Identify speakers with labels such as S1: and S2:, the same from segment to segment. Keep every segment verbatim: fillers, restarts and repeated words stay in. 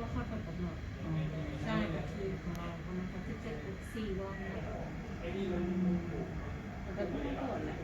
S1: ว่าคลอดก่อนกำหนดใช่แต่คือของเราประมาณสักสิบเจ็ดสี่วันนะแต่ก็ไม่ปวดแหละ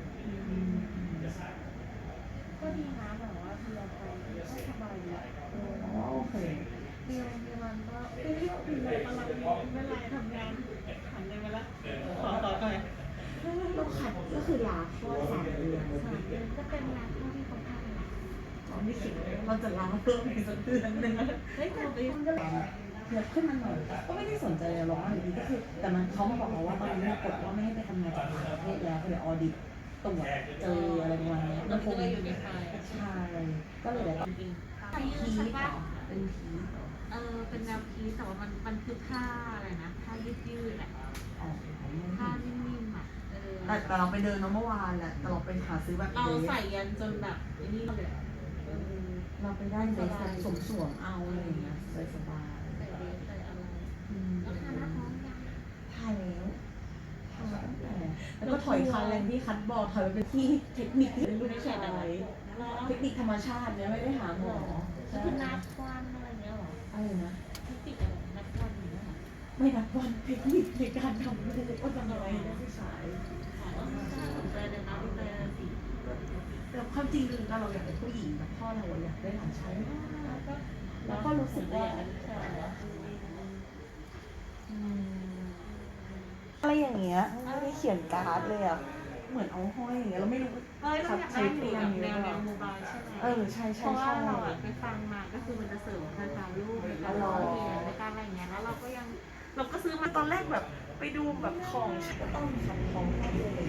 S1: ก็ดีนะแบบว่าเรียนไปก็สบายดี
S2: โอเค
S1: เรียนเรียนมันก็ไม่ได้คุยอะไรตลอดเวลาทำงานหันเลยมาละขอต่อหน่อย
S2: เราขัดก็คือลาคลอดสามเดือน
S1: สามเดือนก็เป็นลาคลอดที่เขาทำนะ
S2: ตอนที่คิดเราจะลาเพิ่มอีกสักเดือนหนึ่ง
S1: เฮ้ยแต่ไป
S2: มันก็เทียบขึ้นมาหน่อยก็ไม่ได้สนใจหรอกว่าอยู่ดีก็คือแต่มันเขามาบอกเราว่าตอนนี้กฎว่าไม่ให้ไปทำงานจากต่างประเทศแล้วเดี๋ยวออดิตตรวจเจออะไรประมาณนี้
S1: มันคงอยู่ในไทย
S2: ใช่ก็เลยแบบ
S1: จริง
S2: เป็นพีใช่ปะเป็นพี
S1: เออเป็นแนวพีแต่ว่ามันมันคือผ้าอะไรนะผ้ายืดยืดแหละผ้านิ่มๆอ่ะเออ
S2: แต่แต่เราไปเดินเมื่อวานแหละแต่เราไปหาซื้อแบบ
S1: เราใส่ยันจนแบบนี่เลย
S2: เราไปได้เดสสวมสวมเอาอะไรอย่างเงี้ยสบายสบาย
S1: ใส่เดสใส่อะไรแล้วทาหน้าท้องยัง
S2: ทาแล้วทาตั้งแต่แล้วก็ถอยคันแรงที่คัดบอลถอยไปเป็นที่เทคนิคที่ลูกชายเทคนิคธรรมชาติเนี่ยไม่ได้หาหมอ
S1: คือนับวันอะไรเงี้ยหรอ
S2: อะไรนะ
S1: เทคนิคอะไรนับวันอย่างเงี้ยหรอ
S2: ไม่นับวันเทคนิคในการทำลูกว่าทำอะไรได้ผู้ชาย
S1: สนใจเลยนะดีใจเลยสิ
S2: แต่ความจริงคือเราอยากเป็นผู้หญิงแต่พ่อเราอยากได้หลานชายแล้วก็รู้สึกว่าอะไรอย่างเงี้ยไม่ได้เขียนการ์ดเลยอ่ะเหมือนเอาห้อยอย่างเงี้ยเราไม่รู้
S1: เฮ้ยเราอยากได้หนูแบบแนวแนวโมบายใช่ไหม
S2: เออใช่ใช่
S1: เพราะว่าเราไปฟังมาก็คือมันจะเสริมการการลูกในการร้องเพลงในการอะไรเงี้ยแล้วเราก็ยังเราก็ซื้อมา
S2: ตอนแรกแบบไปดูแบบของก็ต้องทำของเลย